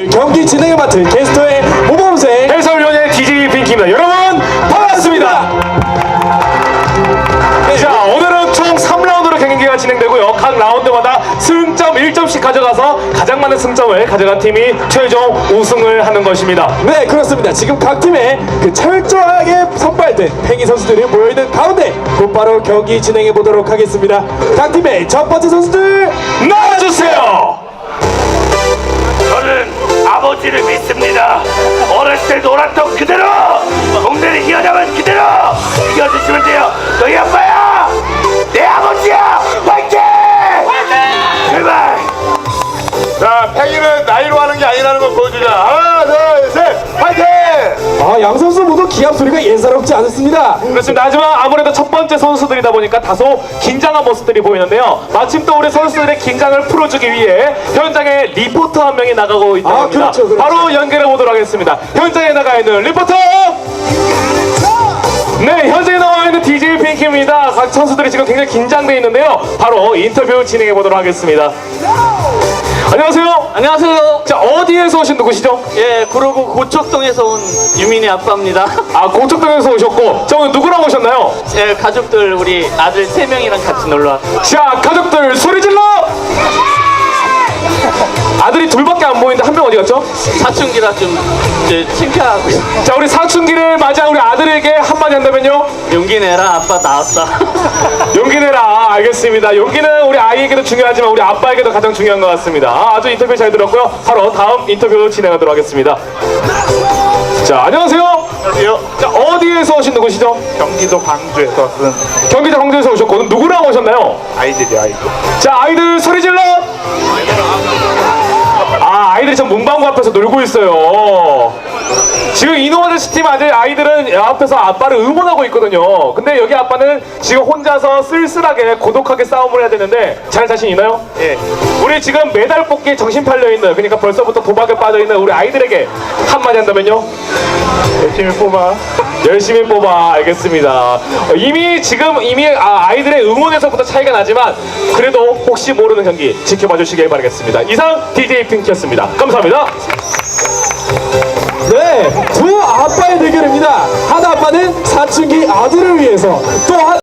경기 진행을 맡은 게스트의 모범생 해설위원의 DJ 핑키입니다. 여러분 반갑습니다. 자, 오늘은 총 3라운드로 경기가 진행되고요. 각 라운드마다 승점 1점씩 가져가서 가장 많은 승점을 가져간 팀이 최종 우승을 하는 것입니다. 네, 그렇습니다. 지금 각 팀에 그 철저하게 선발된 팽이 선수들이 모여있는 가운데 곧바로 경기 진행해 보도록 하겠습니다. 각 팀의 첫 번째 선수들 나와주세요. 저는 아버지를 믿습니다. 어렸을 때 놀았던 그대로, 동네를 이어나면 그대로 이겨주시면 돼요. 너희 아빠야, 내 아버지야. 화이팅! 제발. 자, 팽이는 나이로 하는 게 아니라는 걸 보여주자. 하나, 둘, 셋, 파이팅! 양 선수 모두 기합 소리가 예사롭지 않습니다. 그렇습니다. 하지만 아무래도 첫 번째 선수들이다 보니까 다소 긴장한 모습들이 보이는데요. 마침 또 우리 선수들의 긴장을 풀어주기 위해 현장에 리포터 한 명이 나가고 있다고 합니다. 그렇죠. 바로 연결해 보도록 하겠습니다. 현장에 나가 있는 리포터! 네, 현장에 나와 있는 DJ 핑키입니다. 각 선수들이 지금 굉장히 긴장되어 있는데요. 바로 인터뷰 진행해 보도록 하겠습니다. 안녕하세요. 안녕하세요. 자, 어디에서 오신 누구시죠? 예, 구로구 고척동에서 온 유민이 아빠입니다. 아, 고척동에서 오셨고, 저 오늘 누구랑 오셨나요? 제 가족들 우리 아들 3명이랑 같이 놀러 왔어요. 자, 가족들 소리 질러! 아들이 둘밖에 안 보이는데 한 명 어디 갔죠? 사춘기라 좀 창피하고 있어요. 자, 우리 사춘기를 맞이한 우리 아들에게 한마디 한다면요? 용기 내라, 아빠 나왔다. 용기 내라. 알겠습니다. 용기는 우리 아이에게도 중요하지만 우리 아빠에게도 가장 중요한 것 같습니다. 아주 인터뷰 잘 들었고요. 바로 다음 인터뷰 진행하도록 하겠습니다. 자, 안녕하세요. 안녕하세요. 자, 어디에서 오신 누구시죠? 경기도 광주에서 쓴 경기도 광주에서 오셨고, 누구랑 오셨나요? 아이들이 아이들. 자, 아이들 소리 질러! 아, 아이들이 전 문방구 앞에서 놀고 있어요. 지금 이노아저씨 팀 아이들은 앞에서 아빠를 응원하고 있거든요. 근데 여기 아빠는 지금 혼자서 쓸쓸하게 고독하게 싸움을 해야 되는데 잘 자신 있나요? 예. 우리 지금 메달 뽑기에 정신 팔려있는, 그러니까 벌써부터 도박에 빠져있는 우리 아이들에게 한마디 한다면요? 열심히 뽑아. 열심히 뽑아. 알겠습니다. 이미 아이들의 응원에서부터 차이가 나지만 그래도 혹시 모르는 경기 지켜봐 주시길 바라겠습니다. 이상 DJ 핑키였습니다. 감사합니다. 네, 두 아빠의 대결입니다. 한 아빠는 사춘기 아들을 위해서, 또 한